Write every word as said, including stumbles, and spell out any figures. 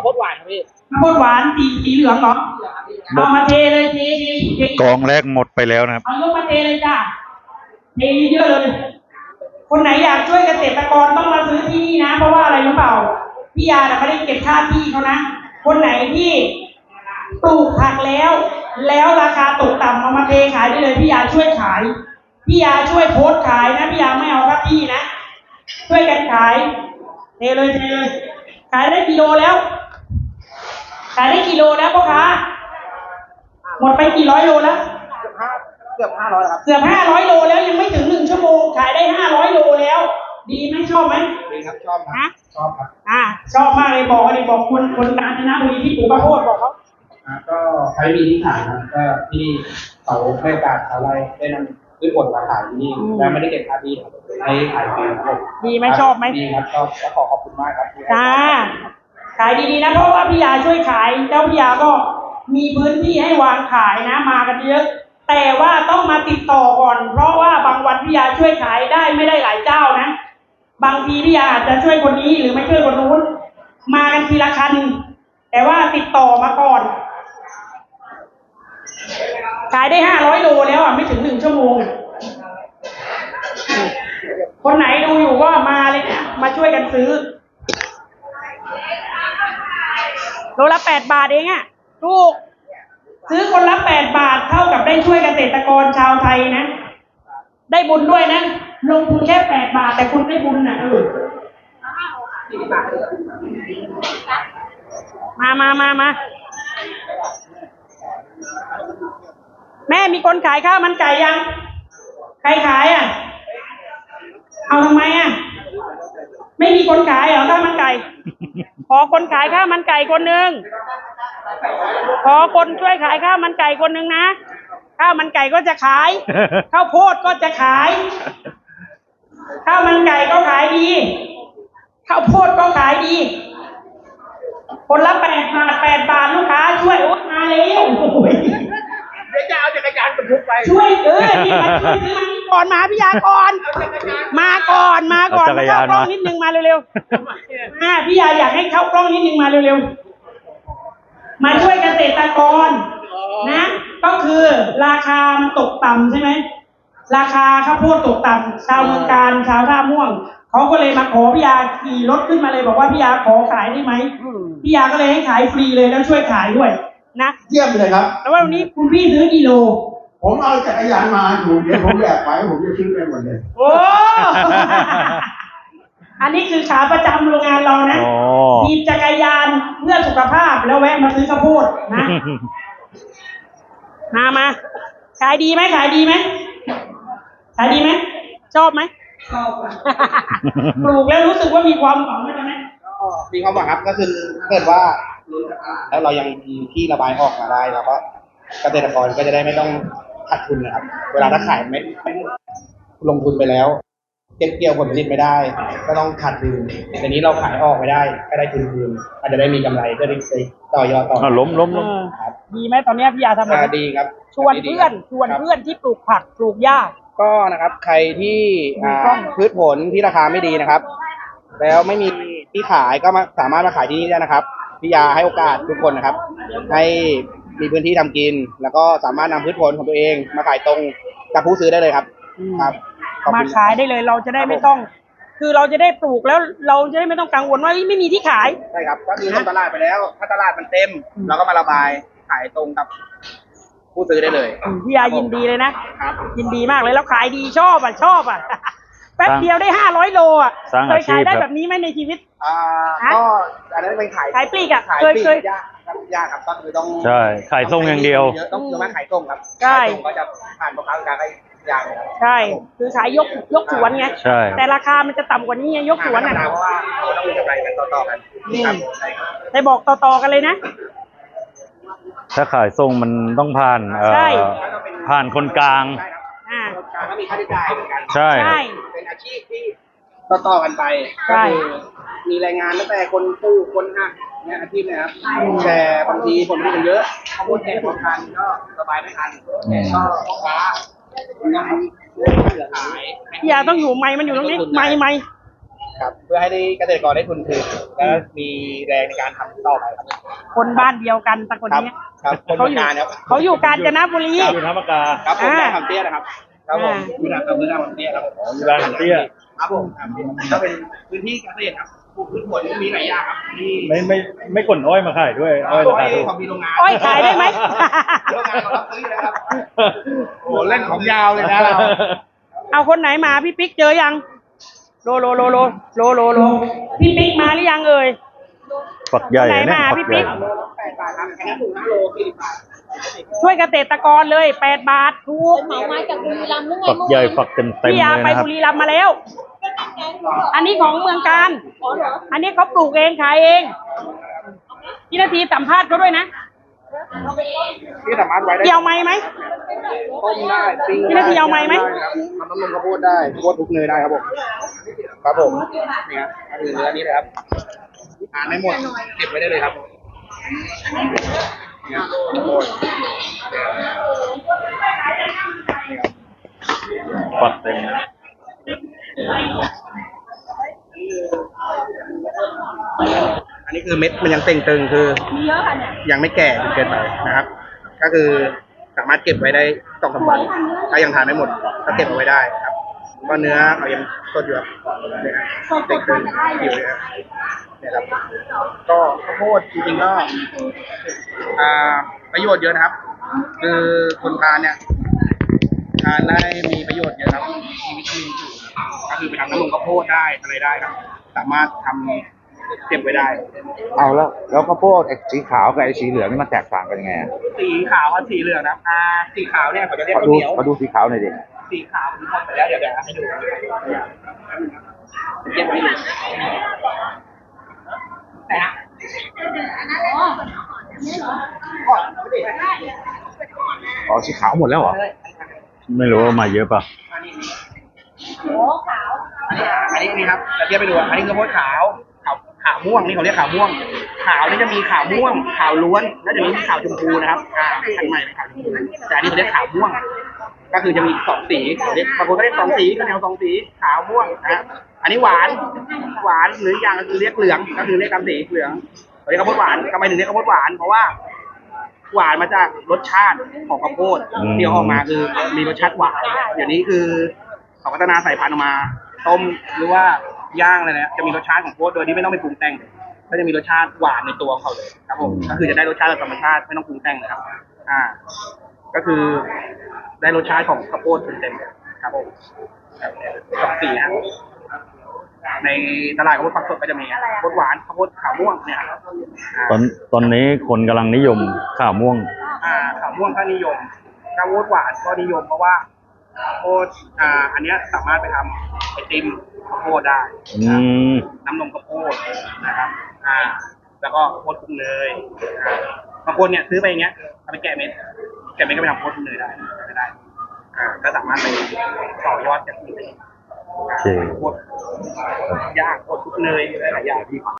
ดหวานครับพี่ข้าวโพดหวานสีสีเหลืองเหรอเอามาเทเลยเทเทเทกองแรกหมดไปแล้วนะครับเอายกมาเทเลยจ้าเทเยอะเลยคนไหนอยากช่วยเกษตรกรต้องมาซื้อที่นี่นะเพราะว่าอะไรรู้เปล่าพี่ยาไม่ได้เก็บค่าที่เขานะคนไหนที่ปลูกผักแล้วแล้วราคาตกต่ำเอามาเทขายได้เลยพี่ยาช่วยขายพี่ยาช่วยโพสต์ขายนะพี่ยาไม่เอาค่าที่นะช่วยกันขายเทเลยเทเลยขายได้กิโลแล้วขายได้กิโลแล้วพ่อค้าหมดไปกี่ร้อยโลแล้วเกือบห้าร้อยครับเกือบห้าร้อยโลแล้วยังไม่ถึงหนึ่งชั่วโมงขายได้ห้าร้อยโลแล้วดีไหมชอบไหมดีครับชอบครับชอบครับอ่าชอบมากเลยบอกเลยบอกคนคนกาญจนบุรีที่ปลูกข้าวโพดบอกเขาอ่าก็ใช้มีที่ขายครับก็ที่เขาให้การชาวไร่ได้นำพืชผลมาขายที่นี่แล้วไม่ได้เก็บค่าที่ให้ขายฟรีครับดีไหมชอบไหมดีครับชอบและขอขอบคุณมากครับจ้าขายดีๆนะเพราะว่าพี่ยาช่วยขายแล้วพี่ยาก็มีพื้นที่ให้วางขายนะมากันเยอะแต่ว่าต้องมาติดต่อก่อนเพราะว่าบางวันพี่ยาช่วยขายได้ไม่ได้หลายเจ้านะบางทีพี่ยาอาจจะช่วยคนนี้หรือไม่ช่วยคนนู้นมากันทีละคันแต่ว่าติดต่อมาก่อนขายได้ห้าร้อยโลแล้วอ่ะไม่ถึงหนึ่งชั่วโมงคนไหนดูอยู่ก็มาเลยเนี่ยมาช่วยกันซื้อโลละแปดบาทเองอ่ะถูกซื้อคนละแปดบาทเท่ากับได้ช่วยเกษตรกรชาวไทยนะได้บุญด้วยนะลงทุนแค่แปดบาทแต่คุณได้บุญนะเออมามามามาแม่มีคนขายข้าวมันไก่ยังใครขายอ่ะเอาทำไมอ่ะไม่มีคนขายเหรอข้าวมันไก่ขอคนขายข้าวมันไก่คนหนึ่งขอคนช่วยขายข้าวมันไก่คนหนึ่งนะข้าวมันไก่ก็จะขายข้าวโพดก็จะขายข้าวมันไก่ก็ขายดีข้าวโพดก็ขายดีคนละแปดบาทแปดบาทลูกค้าช่วยโอ๊ยมาแล้วเดี๋ยวจะเอาจักรยานบรรทุกไปช่วยเออนี่มาช่วยซื้อมันก่อนมาพี่ยาก่อนมาก่อนมาก่อนมาเข้ากล้องนิดนึงมาเร็วๆอ่าพี่ยาอยากให้เข้ากล้องนิดนึงมาเร็วๆมาช่วยเกษตรกรนะก็คือราคามันตกต่ำใช่ไหมราคาข้าวโพดตกต่ำชาวเมืองการชาวท่าม่วงเขาก็เลยมาขอพี่ยาขี่รถขึ้นมาเลยบอกว่าพี่ยาขอขายได้ไหมพี่ยาก็เลยให้ขายฟรีเลยแล้วช่วยขายด้วยนะเยี่ยมเลยครับแล้ววันนี้คุณพี่ซื้อกิโลผมเอาจักรยานมาอยู่เดี๋ยวผมแยกไปผมจะซื้อไปหมดเลยโอ้อันนี้คือขาประจำโรงงานเรานะขี่จักรยานเพื่อสุขภาพแล้วแวะมาซื้อข้าวโพดนะมามาขายดีไหมขายดีไหมขายดีไหมชอบไหมชอบปลูกแล้วรู้สึกว่ามีความหวังไหมก็มีความหวังครับก็คือเกิดว่าแล้วเรายังมีที่ระบายออกมาได้แล้วก็เกษตรกรก็จะได้ไม่ต้องขาดทุนนะครับเวลาถ้าขายไม่ลงทุนไปแล้วเก็บเกี่ยวผลผลิตไม่ได้ก็ต้องขาดทุนแต่นี้เราขายออกไม่ได้ก็ได้ทุนคืนอาจจะได้มีกำไรก็ได้ต่อยอดต่อล้มล้มล้มครับดีไหมตอนนี้พี่ยาทำอะไรดีครับชวนเพื่อนชวนเพื่อนที่ปลูกผักปลูกหญ้าก็นะครับใครที่พืชผลที่ราคาไม่ดีนะครับแล้วไม่มีที่ขายก็มาสามารถมาขายที่นี่ได้นะครับพี่ยาให้โอกาสทุกคนนะครับให้มีพื้นที่ทำกินแล้วก็สามารถนำพืชผลของตัวเองมาขายตรงกับผู้ซื้อได้เลยครับครับมาขายได้เลยเราจะได้ไม่ต้องคือเราจะได้ปลูกแล้วเราจะได้ไม่ต้องกังวลว่าไม่มีที่ขายใช่ครับก็คือลงตลาดไปแล้วถ้าตลาดมันเต็มเราก็มาระบายขายตรงกับผู้ซื้อได้เลยพี่ยายินดีเลยนะยินดีมากเลยแล้วขายดีชอบอ่ะชอบอ่ะแป๊บเดียวได้ห้าร้อยโลอ่ะเคยขายได้แบบนี้ไหมในชีวิตอ่าก็อันนั้นเป็นขายขายปลีกอ่ะเคยเคยยากครับยากครับก็คือต้องใช่ขายส่งอย่างเดียวต้องเยอะมากขายส่งครับใช่ก็จะผ่านพ่อค้าการได้ยากใช่คือขายยกยกสวนไงใช่แต่ราคามันจะต่ำกว่านี้ไงยกสวนอ่ะเพราะว่าเราต้องมีกำไรกันต่อๆกันครับได้บอกต่อๆกันเลยนะถ้าขายส่งมันต้องผ่านเอ่อผ่านคนกลางอ่าก็มีค่าใช้จ่ายเหมือนกันใช่เป็นอาชีพที่ต่อๆกันไปใช่มีแรงงานตั้งแต่คนปลูกคนหักเนี่ยอาชีพนะครับแต่บางทีผลผลิตมันเยอะข้าวโพดแก่พอทันก็สบายไม่ทันก็พ่อค้าต้องเหลือขายพี่ยาต้องอยู่ไม้มันอยู่ตรงนี้ไม้ไม้ครับ เพื่อให้ได้เกษตรกรได้ทุนคืนและมีแรงในการทำต่อไปครับคนบ้านเดียวกันตะคนครับเนี้ยครับคนเขาเมืองอยู่การครับเขาอยู่กาญจนบุรีอยู่ธรรมกาครับผมอ่าได้ทำเตี้ยนะครับครับผมอ่าอยู่นะครับอยู่นะครับเตี้ยครับอ๋ออยู่ร้านเตี้ยครับผมครับถ้าเป็นพื้นที่เกษตรครับปลูกพืชผลมีหลายอย่างครับที่ไม่ไม่ไม่ขนอ้อยมาขายด้วยอ้อยราคาถูกของมีโรงงานอ้อยขายได้ไหมโรงงานเขารับซื้อเลยครับโอ้เล่นของยาวเลยนะเราเอาคนไหนมาพี่ปิ๊กเจอยังโลโลโลโลโลโลโลพี่ปิ๊กมาหรือยังเอ่ยฝักใหญ่ไหนเนี่ยมาฝัพี่กใหปิ๊ญ่กแปดบาทครับอันนี้ถูกนะโลสี่สิบบาทช่วยเกษตรกรเลยแปดบาทถูกเหมามาจากบุรีรัมย์หรือไงฝักใหญ่ฝักเต็มเต็มพี่เลยาย ไปนะครับบุรีรัมย์มาแล้ว อันนี้ของเมืองการอ๋อเหรออันนี้เขาปลูกเองขายเองพี่นาทีสัมภาษณ์เขาด้วยนะที่สามารถไว้ได้เกี่ยวไหมไหมต้มได้ปิ้งพี่นาทีเอาไม้ไหมด้ครับทำน้ำนมข้าวโพดได้ข้าวโพดทุกเนยได้ครับผมครับผมนี่ครับอันนี้เนื้อนี้เลยครับทานไม่หมดเก็บไว้ได้เลยครับเนี่ยข้าวโพดฝักเต็มอันนี้คือเม็ดมันยังเต่งตึงคือมีเยอะค่ะเนี่ยยังไม่แก่จนเกินไปนะครับ ก็คือสามารถเก็บไว้ได้สองสามวันถ้ายังทานไม่หมดก็เก็บเอาไว้ได้ครับก็เนื้อเขายังสดอยู่ครับเนี่ยเต่งตึงอยู่เลยครับเนี่ยครับก็ข้าวโพดจริงๆก็อ่าประโยชน์เยอะนะครับ คือคนทานเนี่ยทานได้มีประโยชน์เยอะครับมีวิตามินสูงก็คือไปทำน้ำนมข้าวโพดได้อะไรได้ครับ สามารถทำเก็บไว้ได้เอาแล้วแล้วข้าวโพดไอ้สีขาวกับไอ้สีเหลืองนี่มันแตกต่างกันยังไงอะสีขาวกับสีเหลืองนะครับอ่าสีขาวเนี่ยเขาจะเรียกขอข้าวดูเหนียวขอดูสีขาวหน่อยดิสีขาวผมทำไปแล้วเดี๋ยวเดี๋ยวให้ดูเก็บไว้ดูไหนฮะก่อนไม่ได้อ๋อสีขาวหมดแล้วเหรอไม่รู้ว่ามาเยอะป่ะอันนี้อันนี้นี่ครับจะเทียบไปดูอันนี้คือข้าวโพดขาวขาวขาวม่วงนี่เขาเรียกขาวม่วง ขาวนี่จะมีขาวม่วง ขาวล้วน แล้วจะมีขาวชมพูนะครับอ่าพันธุ์ใหม่เป็นขาวชมพูแต่อันนี้เขาเรียกขาวม่วง ก็คือจะมีสองสีเขาเรียกบางคนก็เรียกสองสีก็แนวสองสีขาวม่วงนะฮะอันนี้หวานหวานหรืออย่างก็คือเรียกเหลืองก็คือเรียกตามสีเหลืองเขาเรียกข้าวโพดหวานทำไมถึงเรียกข้าวโพดหวานเพราะว่า หวานมาจากรสชาติของข้าวโพดอืมที่ออกมาคือมีรสชาติหวานเดี๋ยวนี้คือเขาพัฒนาสายพันธุ์ออกมา ต้มหรือว่าย่างอะไรเนี่ยจะมีรสชาติของข้าวโพดโดยที่ไม่ต้องไปปรุงแต่งก็จะมีรสชาติหวานในตัวของเขาเลยครับผมก็คือจะได้รสชาติแบบธรรมชาติไม่ต้องปรุงแต่งนะครับ อ่า ก็คือได้รสชาติของข้าวโพดเต็มๆเลยครับผมครับสองสีนะในตลาดข้าวโพดฝักสดก็จะมีข้าวโพดหวานข้าวโพดขาวม่วงเนี่ยครับอ่าตอนตอนนี้คนกำลังนิยมข้าวม่วงอ่าขาวม่วงก็นิยมข้าวโพดหวานก็นิยมเพราะว่าข้าวโพดอ่า อันเนี้ยสามารถไปทำไอติมข้าวโพดได้อืมน้ำนมข้าวโพดนะครับ อ่า แล้วก็ข้าวโพดคลุกเนยอ่าบางคนเนี่ยซื้อไปอย่างเงี้ยเอาไปแกะเม็ดแกะเม็ดก็ไปทำข้าวโพดคลุกเนยได้ไม่ได้ อ่า ก็สามารถไปต่อยอดจากนี้ได้โอเคข้าวโพดย่างข้าวโพดคลุกเนยหลายๆอย่างที่